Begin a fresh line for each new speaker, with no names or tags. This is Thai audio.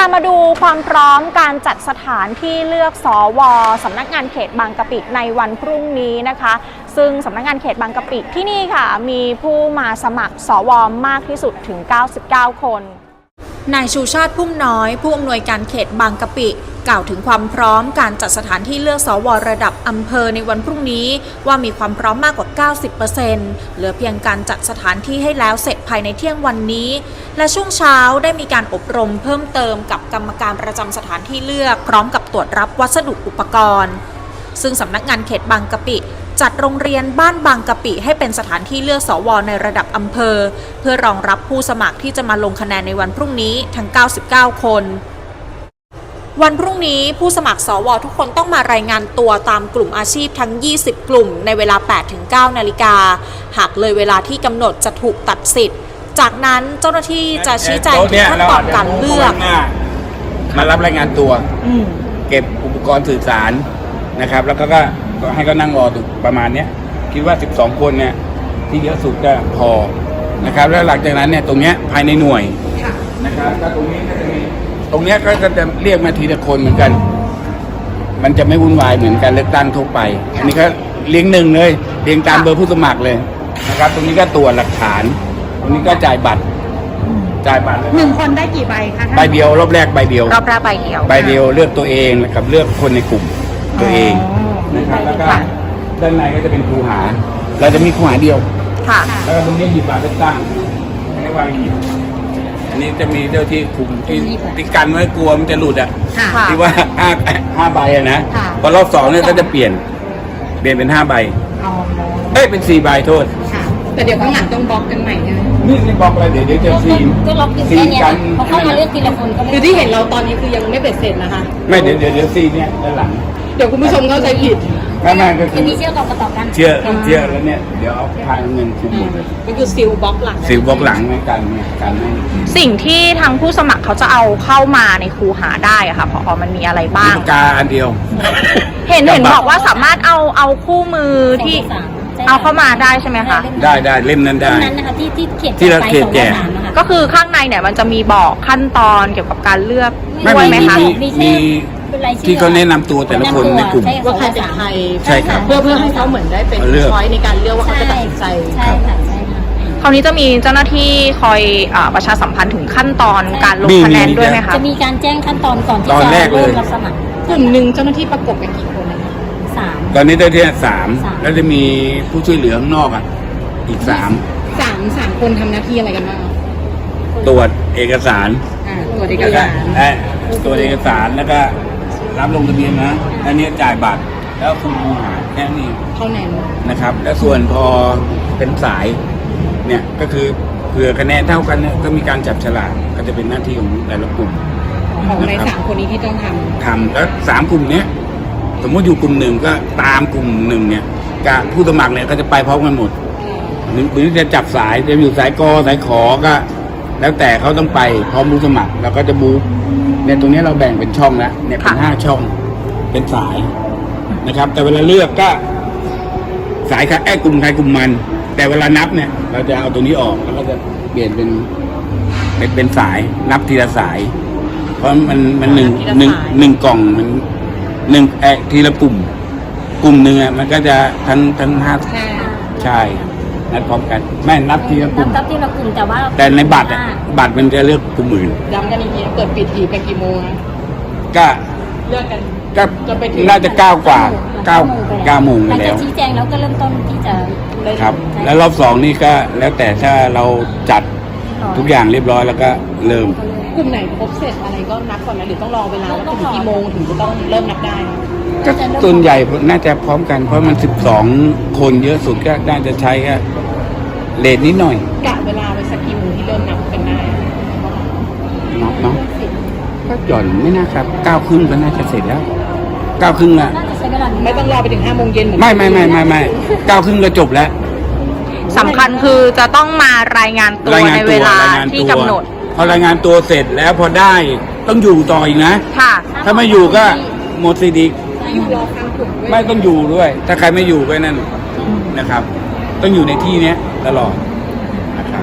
ามาดูความพร้อมการจัดสถานที่เลือกสวสำนักงานเขตบางกะปิในวันพรุ่งนี้นะคะซึ่งสำนักงานเขตบางกะปิที่นี่ค่ะมีผู้มาสมัครสวมากที่สุดถึง99 คนนายชูชาติพุ่มน้อยผู้อำนวยการเขตบางกะปิกล่าวถึงความพร้อมการจัดสถานที่เลือกสวระดับอำเภอในวันพรุ่งนี้ว่ามีความพร้อมมากกว่า 90% เหลือเพียงการจัดสถานที่ให้แล้วเสร็จภายในเที่ยงวันนี้และช่วงเช้าได้มีการอบรมเพิ่มเติมกับกรรมการประจำสถานที่เลือกพร้อมกับตรวจรับวัสดุอุปกรณ์ซึ่งสำนักงานเขตบางกะปิจัดโรงเรียนบ้านบางกะปิให้เป็นสถานที่เลือกสวในระดับอำเภอเพื่อรองรับผู้สมัครที่จะมาลงคะแนนในวันพรุ่งนี้ทั้ง99 คนวันพรุ่งนี้ผู้สมัครสวทุกคนต้องมารายงานตัวตามกลุ่มอาชีพทั้ง20 กลุ่มในเวลา 8-9 นาฬิกาหากเลยเวลาที่กำหนดจะถูกตัดสิทธิ์จากนั้นเจ้าหน้าที่จะชี้แจงถึงขั้นตอนการเลือก
มารับรายงานตัวเก็บอุปกรณ์สื่อสารนะครับแล้วก็ให้เขานั่งรอดูประมาณนี้คิดว่า12 คนเนี่ยที่เยอะสุดก็พอนะครับแล้วหลังจากนั้นเนี่ยตรงเนี้ยภายในหน่วยนะครับก็ตรงนี้ก็จะมีตรงเนี้ยก็จะเรียกมาทีละคนเหมือนกันมันจะไม่วุ่นวายเหมือนการเลือกตั้งทั่วไปอันนี้ก็เรียงหนึ่งเลยเรียงตามเบอร์ผู้สมัครเลยนะครับตรงนี้ก็ตรวจหลักฐานตรงนี้ก็จ่ายบัตร
1 คนได้กี่ใบคะ
ใบเดียวรอบแรกใบเดียว
รอบแรกใบเดี
ยวเลือกตัวเองกับเลือกคนในกลุ่มตัวเองนะครับแล้วก็ด้านในก็จะเป็นคูหาเราจะมีคูหาเดียวแล้วก็ตรงนี้หยิบบัตรเลือกตั้งให้วางหยิบอันนี้จะมีเจ้าที่คุมที่กันไว้กลัวมันจะหลุดที่ว่า5 ใบนะพอรอบ2เนี่ยก็จะเปลี่ยนเป็น5 ใบเป็น4 ใบโทษ
แต่เดี๋ยวข้างหลังต้องบล็อกกันใหม่ใช่ไหม
นี่บล็อกอะไรเดี๋ยวจะ
ก็ล็อกอยู่แค่นี้พอเข้ามาเลือกทีละคนก็
คือที่เห็นเราตอนนี้คือยังไม่เบ็ดเสร็จนะคะ
ไม่เดี๋ยวซีเนี่ยด้านหลัง
เดี๋ยวคุณผู้ชมเข้าใจผิด
ไม่ก็คือ
มีเชื่อต่อกัน
เชื่อแล้วเนี่ยเดี๋ยวเอาทางเงินคุมหมดเลย
ก็คือซิลบล็อกหลัง
ในการเนี่ยการให้
สิ่งที่ทางผู้สมัครเขาจะเอาเข้ามาในคูหาได้อะค่ะพอมันมีอะไรบ้าง
ปากกาอันเดียว
เห็นบอกว่าสามารถเอาคู่มือที่เอาเข้ามาได้ใช่ไหมคะ
ได้เล่มนั้นได้
นะคะ
ที่เราเขียนแจก
ก็คือข้างในเนี่ยมันจะมีบอกขั้นตอนเกี่ยวกับการเลือกด้วยไหมคะ
มีที่เขาแนะนำตัวแต่ละคนในกลุ่ม
ว่าใครเป็นใคร
ใช่ครับ
เพื่อให้เขาเหมือนได้เป็นช้อยในการเลือกว่าเขาจะตัดสินใจ
ใช่ค่ะ
คราวนี้จะมีเจ้าหน้าที่คอยประชาสัมพันธ์ถึงขั้นตอนการลงคะแนนด้วยไหมคะ
จะมีการแจ้งขั้นตอนก่อนที่จะเริ่มรับสมัคร
กลุ่มหนึ่งเจ้าหน้าที่ประกบกันกี่คน
3ตอนนี้ได้ที่3แล้วจะมีผู้ช่วยเหลือข้างนอกอีก3
คนทำหน้าที่อะไรกันบ้าง
ตรวจเอกสาร
ตรวจเอกสาร
แล้วก็รับลงทะเบียนนะอันนี้จ่ายบัตรแล้วคุมคูหาแค่นี้
เท่านั้น
นะครับแล้วส่วนพอเป็นสายเนี่ยก็คือเผื่อคะแนนเท่ากันเนี่ยก็มีการจับฉลากก็จะเป็นหน้าที่ของแต่ละกลุ่ม
ของใน3 คนนี้ที่ต้องท
ำแล้ว3 กลุ่มเนี้ยสมมติอยู่กลุ่มหนึ่งก็ตามกลุ่มหนึ่งเนี่ยกับผู้สมัครเนี่ยก็จะไปพร้อมกันหมดหรือจะจับสายจะอยู่สายกสายขอก็แล้วแต่เขาต้องไปพร้อมผู้สมัครแล้วก็จะบูเนี่ยตรงนี้เราแบ่งเป็นช่องแล้วเนี่ยเป็น5 ช่องเป็นสายนะครับแต่เวลาเลือกก็สายกลุ่มใครกลุ่มมันแต่เวลานับเนี่ยเราจะเอาตัวนี้ออกแล้วก็จะเปลี่ยนเป็นสายนับทีละสายเพราะมันหนึ่งกล่องมันทีละกลุ่มหนึ่งมันก็จะทั้ง5ใช่นัดพร้อมกันแม่นับทีละกลุ่มแต่ในบัตรมันจะเลือกกลุ่มอื่น
ย้ำกันอีกทีเปิดปิดทีกันกี่โมง
ก็
เลือกกัน
ก็น่าจะ9 กว่า9 โมงกันแล้ว
ชี้แจงแล้วก็เริ่มต้นที่จะ
ครับแล้วรอบ2นี่ก็แล้วแต่ถ้าเราจัดทุกอย่างเรียบร้อยแล้วก็เริ่ม
กลุ่มไหนครบเสร็จอะไรก็นับก่อนนะหรือต้องรอเวลาว่าถึงกี่โมงถึงจะต้องเริ่มนับได้
ก็ส่วนใหญ่น่าจะพร้อมกันเพราะมัน12 คนเยอะสุดก็น่าจะใช้แค่เลทนิดหน่อย
กะเวลาไปสักกี่โมงที่เริ่มนับเป็นได้
นับเนาะก็หย่อนไม่น่าครับ9 ครึ่งก็น่าจะเสร็จแล้ว9 ครึ่งละ
ไม่ต้องรอไปถึง5 โมงเย็น
ไม่9 ครึ่งก็จบแล้ว
สำคัญคือจะต้องมารายงานตัวในเวลาที่กำหนด
พอรายงานตัวเสร็จแล้วพอได้ต้องอยู่ต่ออีกนะถ้าไม่อยู่ก็หมดสิทธิ์อีกไม่ต้องอยู่ด้วยถ้าใครไม่อยู่ก็นั่นนะครับต้องอยู่ในที่นี้ตลอดนะครับ